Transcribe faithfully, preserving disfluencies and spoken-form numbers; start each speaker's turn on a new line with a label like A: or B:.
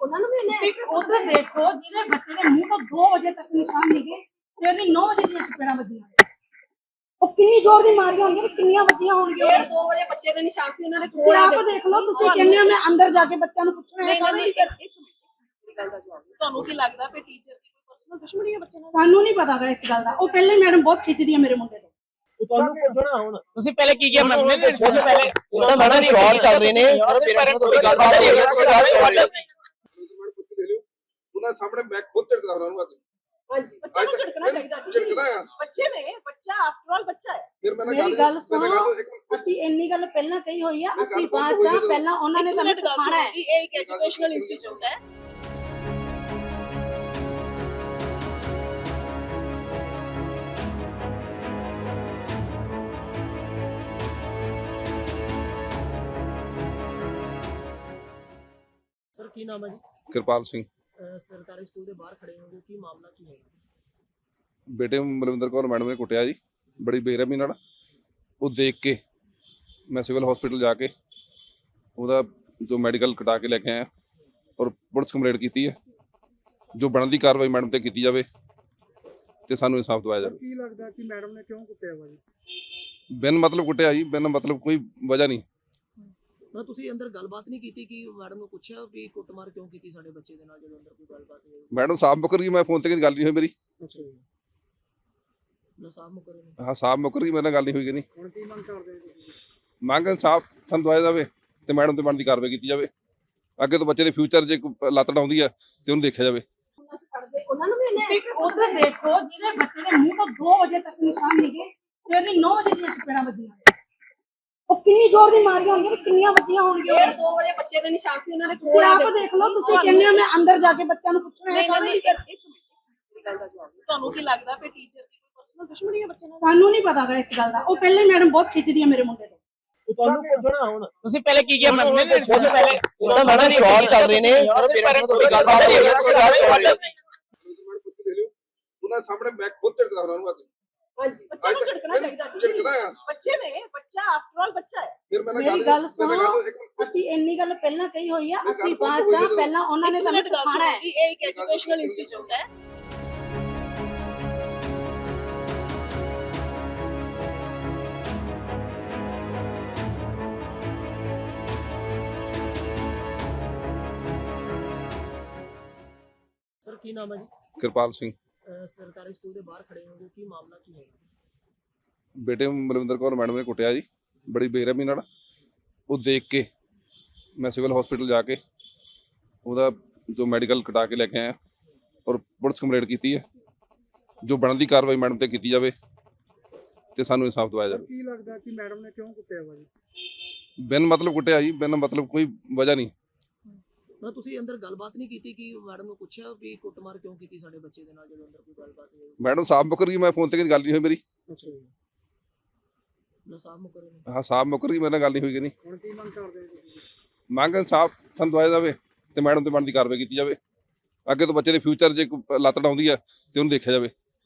A: ਉਹਨਾਂ ਨੂੰ ਵੀ ਤੁਸੀਂ ਉਧਰ ਦੇਖੋ ਜਿਹਦੇ ਬੱਚੇ ਦੇ ਮੂੰਹ ਤੋਂ ਦੋ ਵਜੇ ਤੱਕ ਨਿਸ਼ਾਨ ਨਿਗੇ ਤੇ ਉਹਦੀ ਨੌ ਵਜੇ ਦੀਆਂ ਚਪੇੜਾਂ ਵੱਜੀਆਂ। ਉਹ ਕਿੰਨੀ ਜ਼ੋਰ ਦੀ ਮਾਰੀਆਂ ਹੋਣਗੀਆਂ ਤੇ ਕਿੰਨੀਆਂ ਵੱਜੀਆਂ ਹੋਣਗੀਆਂ। ਡੇਢ ਦੋ ਵਜੇ ਬੱਚੇ ਦੇ ਨਿਸ਼ਾਨ ਸੀ ਉਹਨਾਂ ਨੇ। ਤੁਸੀਂ ਆਪ ਦੇਖ ਲਓ, ਤੁਸੀਂ ਕਹਿੰਦੇ ਹੋ ਮੈਂ ਅੰਦਰ ਜਾ ਕੇ ਬੱਚਿਆਂ ਨੂੰ ਪੁੱਛਣਾ ਹੈ।
B: ਤੁਹਾਨੂੰ ਕੀ ਲੱਗਦਾ ਫਿਰ ਟੀਚਰ ਦੀ ਕੋਈ ਪਰਸਨਲ ਦੁਸ਼ਮਣੀ ਹੈ ਬੱਚੇ ਨਾਲ?
A: ਸਾਨੂੰ ਨਹੀਂ ਪਤਾ ਗਾ ਇਸ ਗੱਲ ਦਾ। ਉਹ ਪਹਿਲੇ ਮੈਡਮ ਬਹੁਤ ਖਿੱਚਦੀ ਹੈ ਮੇਰੇ ਮੁੰਡੇ ਤੋਂ।
C: ਤੁਹਾਨੂੰ ਪੁੱਛਣਾ ਹੁਣ
D: ਤੁਸੀਂ ਪਹਿਲੇ ਕੀ ਕੀਤਾ ਮੈਡਮ ਨੇ ਤੁਸੀਂ ਪਹਿਲੇ
C: ਉਹਦਾ ਮੈਡਮ ਸ਼ਾਰਟ ਚੱਲ ਰਹੇ ਨੇ ਸਾਰੇ ਪੇਰੈਂਟਸ ਨਾਲ ਗੱਲਬਾਤ ਹੋ ਰਹੀ ਹੈ
E: ਉਹਨਾਂ ਸਾਹਮਣੇ ਮੈਂ ਖੁਦ ਝਿੜਕਦਾ ਉਹਨਾਂ ਨੂੰ ਆ ਕੇ।
B: ਹਾਂਜੀ ਬੱਚੇ ਨੂੰ ਝਿੜਕਣਾ ਚਾਹੀਦਾ ਜੀ।
E: ਝਿੜਕਦਾ ਆ
B: ਬੱਚੇ ਨੇ, ਬੱਚਾ ਆਫਟਰ ਆਲ ਬੱਚਾ ਹੈ।
E: ਫਿਰ ਮੈਂ
A: ਮੇਰੀ ਗੱਲ ਸੁਣੋ, ਅਸੀਂ ਇੰਨੀ ਗੱਲ ਪਹਿਲਾਂ ਕਹੀ ਹੋਈ ਆ। ਅਸੀਂ ਬਾਅਦ ਚ ਪਹਿਲਾਂ ਉਹਨਾਂ ਨੇ ਸਾਨੂੰ ਸਿਖਾਣਾ ਹੈ।
B: ਇਹ ਇੱਕ ਐਜੂਕੇਸ਼ਨਲ ਇੰਸਟੀਚਿਊਟ ਹੈ।
C: ਸਰ ਕੀ ਨਾਮ ਹੈ ਜੀ?
E: ਕਿਰਪਾਲ ਸਿੰਘ।
C: ਸਰਕਾਰੀ ਸਕੂਲ ਦੇ ਬਾਹਰ ਖੜੇ ਹੋਗੇ, ਕੀ ਮਾਮਲਾ ਕੀ ਹੈ?
E: ਬੇਟੇ ਮਲਵਿੰਦਰ ਕੌਰ ਮੈਡਮ ਨੇ ਕੁੱਟਿਆ ਜੀ ਬੜੀ ਬੇਰਹਿਮੀ ਨਾਲ। ਉਹ ਦੇਖ ਕੇ ਮੈਂ ਸਿਵਲ ਹਸਪੀਟਲ ਜਾ ਕੇ ਉਹਦਾ ਜੋ ਮੈਡੀਕਲ ਕਟਾ ਕੇ ਲੈ ਕੇ ਆਇਆ ਔਰ ਪੁਲਿਸ ਕੰਪਲੇਂਟ ਕੀਤੀ ਹੈ। ਜੋ ਬਣਦੀ ਕਾਰਵਾਈ ਮੈਡਮ ਤੇ ਕੀਤੀ ਜਾਵੇ ਤੇ ਸਾਨੂੰ ਇਨਸਾਫ ਦਿਵਾਇਆ ਜਾਵੇ।
F: ਕੀ ਲੱਗਦਾ ਕਿ ਮੈਡਮ ਨੇ ਕਿਉਂ ਕੁੱਟਿਆ ਵਾ ਜੀ?
E: ਬਿਨ ਮਤਲਬ ਕੁੱਟਿਆ ਜੀ, ਬਿਨ ਮਤਲਬ ਕੋਈ ਵਜ੍ਹਾ ਨਹੀਂ।
C: ਨਾ ਤੁਸੀਂ ਅੰਦਰ ਗੱਲਬਾਤ ਨਹੀਂ ਕੀਤੀ ਕਿ ਮੈਡਮ ਨੂੰ ਪੁੱਛਿਆ ਵੀ ਕੁੱਟਮਾਰ ਕਿਉਂ ਕੀਤੀ ਸਾਡੇ ਬੱਚੇ ਦੇ ਨਾਲ ਜਦੋਂ ਅੰਦਰ ਕੋਈ ਗੱਲਬਾਤ ਹੋਈ?
E: ਮੈਡਮ ਸਾਫ ਮੁੱਕਰ ਗਈ, ਮੈਂ ਫੋਨ ਤੇ ਕਦੀ ਗੱਲ ਨਹੀਂ ਹੋਈ ਮੇਰੀ।
C: ਅੱਛਾ ਜੀ, ਨਾ ਸਾਫ ਮੁੱਕਰ ਗਏ।
E: ਹਾਂ ਸਾਫ ਮੁੱਕਰ ਗਈ, ਮੇਰੇ ਨਾਲ ਗੱਲ ਨਹੀਂ ਹੋਈ ਕਿ ਨਹੀਂ।
F: ਹੁਣ ਕੀ ਮੰਗ ਕਰਦੇ ਹੋ ਤੁਸੀਂ?
E: ਮੰਗ ਇਨਸਾਫ ਸਾਨੂੰ ਦਵਾਇਆ ਜਾਵੇ ਤੇ ਮੈਡਮ ਤੇ ਬਣਦੀ ਕਾਰਵਾਈ ਕੀਤੀ ਜਾਵੇ। ਅੱਗੇ ਤੋਂ ਬੱਚੇ ਦੇ ਫਿਊਚਰ ਜੇ ਕੋਈ ਲੱਤ ਡਾਉਂਦੀ ਆ ਤੇ ਉਹਨੂੰ ਦੇਖਿਆ ਜਾਵੇ।
A: ਉਹਨਾਂ ਨੂੰ ਵੀ ਤੁਸੀਂ ਉਧਰ ਦੇਖੋ ਜਿਹਦੇ ਬੱਚੇ ਦੇ ਮੂੰਹ ਤੋਂ ਦੋ ਵਜੇ ਤੱਕ ਨਿਸ਼ਾਨ ਨਿਗੇ ਤੇ ਉਹਦੀ ਨੌ ਵਜੇ ਦੀਆਂ ਚਪੇੜਾਂ ਵੱਜੀਆਂ। ਉਹ ਕਿੰਨੀ ਜ਼ੋਰ ਦੀ ਮਾਰੀਆਂ ਹੋਣਗੀਆਂ ਤੇ ਕਿੰਨੀਆਂ ਵੱਜੀਆਂ ਹੋਣਗੀਆਂ।
B: ਡੇਢ ਦੋ ਵਜੇ ਬੱਚੇ ਦੇ ਨਿਸ਼ਾਨ ਸੀ ਉਹਨਾਂ ਨੇ।
A: ਤੁਸੀਂ ਆਪ ਦੇਖ ਲਓ, ਤੁਸੀਂ ਕਹਿੰਦੇ ਹੋ ਮੈਂ ਅੰਦਰ ਜਾ ਕੇ ਬੱਚਿਆਂ ਨੂੰ ਪੁੱਛਣਾ ਹੈ।
B: ਤੁਹਾਨੂੰ ਕੀ ਲੱਗਦਾ ਫਿਰ ਟੀਚਰ ਦੀ ਕੋਈ ਪਰਸਨਲ ਦੁਸ਼ਮਣੀ ਹੈ ਬੱਚੇ ਨਾਲ?
A: ਸਾਨੂੰ ਨਹੀਂ ਪਤਾ ਗਾ ਇਸ ਗੱਲ ਦਾ। ਉਹ ਪਹਿਲੇ ਮੈਡਮ ਬਹੁਤ ਖਿੱਚਦੀ ਹੈ ਮੇਰੇ ਮੁੰਡੇ ਤੋਂ।
C: ਤੁਹਾਨੂੰ ਪੁੱਛਣਾ ਹੁਣ
D: ਤੁਸੀਂ ਪਹਿਲੇ ਕੀ ਕੀਤਾ ਮੈਡਮ ਨੇ ਤੁਸੀਂ ਪਹਿਲੇ
C: ਉਹਦਾ ਮੈਡਮ ਸ਼ਾਰਟ ਚੱਲ ਰਹੇ ਨੇ ਸਾਰੇ ਪੇਰੈਂਟਸ ਨਾਲ ਗੱਲਬਾਤ ਹੋ ਰਹੀ ਹੈ
E: ਉਹਨਾਂ ਸਾਹਮਣੇ ਮੈਂ ਖੁਦ ਝਿੜਕਦਾ ਉਹਨਾਂ ਨੂੰ ਆ ਕੇ।
B: ਹਾਂਜੀ ਬੱਚੇ ਨੂੰ ਝਿੜਕਣਾ ਚਾਹੀਦਾ ਜੀ।
E: ਝਿੜਕਦਾ ਆ
B: ਬੱਚੇ ਨੇ, ਬੱਚਾ ਆਫਟਰ ਆਲ ਬੱਚਾ ਹੈ।
E: ਫਿਰ ਮੈਂ
A: ਮੇਰੀ ਗੱਲ ਸੁਣੋ, ਅਸੀਂ ਇੰਨੀ ਗੱਲ ਪਹਿਲਾਂ ਕਹੀ ਹੋਈ ਆ। ਅਸੀਂ ਬਾਅਦ ਚ ਪਹਿਲਾਂ ਉਹਨਾਂ ਨੇ ਸਾਨੂੰ ਸਿਖਾਣਾ ਹੈ।
B: ਇਹ ਇੱਕ ਐਜੂਕੇਸ਼ਨਲ ਇੰਸਟੀਚਿਊਟ ਹੈ।
C: ਸਰ ਕੀ ਨਾਮ ਹੈ ਜੀ?
E: ਕਿਰਪਾਲ ਸਿੰਘ।
C: ਸਰਕਾਰੀ ਸਕੂਲ ਦੇ ਬਾਹਰ ਖੜੇ ਹੋਗੇ, ਕੀ ਮਾਮਲਾ ਕੀ ਹੈ?
E: ਬੇਟੇ ਮਲਵਿੰਦਰ ਕੌਰ ਮੈਡਮ ਨੇ ਕੁੱਟਿਆ ਜੀ ਬੜੀ ਬੇਰਹਿਮੀ ਨਾਲ। ਉਹ ਦੇਖ ਕੇ ਮੈਂ ਸਿਵਲ ਹਸਪੀਟਲ ਜਾ ਕੇ ਉਹਦਾ ਜੋ ਮੈਡੀਕਲ ਕਟਾ ਕੇ ਲੈ ਕੇ ਆਇਆ ਔਰ ਪੁਲਿਸ ਕੰਪਲੇਂਟ ਕੀਤੀ ਹੈ। ਜੋ ਬਣਦੀ ਕਾਰਵਾਈ ਮੈਡਮ ਤੇ ਕੀਤੀ ਜਾਵੇ ਤੇ ਸਾਨੂੰ ਇਨਸਾਫ ਦਿਵਾਇਆ ਜਾਵੇ।
F: ਕੀ ਲੱਗਦਾ ਕਿ ਮੈਡਮ ਨੇ ਕਿਉਂ ਕੁੱਟਿਆ ਵਾ ਜੀ?
E: ਬਿਨ ਮਤਲਬ ਕੁੱਟਿਆ ਜੀ, ਬਿਨ ਮਤਲਬ ਕੋਈ ਵਜ੍ਹਾ ਨਹੀਂ।
C: ਨਾ ਤੁਸੀਂ ਅੰਦਰ ਗੱਲਬਾਤ ਨਹੀਂ ਕੀਤੀ ਕਿ ਮੈਡਮ ਨੂੰ ਪੁੱਛਿਆ ਵੀ ਕੁੱਟਮਾਰ ਕਿਉਂ ਕੀਤੀ ਸਾਡੇ ਬੱਚੇ ਦੇ ਨਾਲ ਜਦੋਂ ਅੰਦਰ ਕੋਈ ਗੱਲਬਾਤ ਹੋਈ?
E: ਮੈਡਮ ਸਾਫ ਮੁੱਕਰ ਗਈ, ਮੈਂ ਫੋਨ ਤੇ ਕਦੀ ਗੱਲ ਨਹੀਂ ਹੋਈ ਮੇਰੀ।
C: ਅੱਛਾ ਜੀ, ਨਾ ਸਾਫ ਮੁੱਕਰ ਗਏ।
E: ਹਾਂ ਸਾਫ ਮੁੱਕਰ ਗਈ, ਮੇਰੇ ਨਾਲ ਗੱਲ ਨਹੀਂ ਹੋਈ ਕਿ ਨਹੀਂ।
F: ਹੁਣ ਕੀ ਮੰਗ ਕਰਦੇ ਹੋ ਤੁਸੀਂ?
E: ਮੰਗ ਇਨਸਾਫ ਸਾਨੂੰ ਦਵਾਇਆ ਜਾਵੇ ਤੇ ਮੈਡਮ ਤੇ ਬਣਦੀ ਕਾਰਵਾਈ ਕੀਤੀ ਜਾਵੇ। ਅੱਗੇ ਤੋਂ ਬੱਚੇ ਦੇ ਫਿਊਚਰ ਜੇ ਕੋਈ ਲੱਤ ਡਾਉਂਦੀ ਆ ਤੇ ਉਹਨੂੰ ਦੇਖਿਆ ਜਾਵੇ।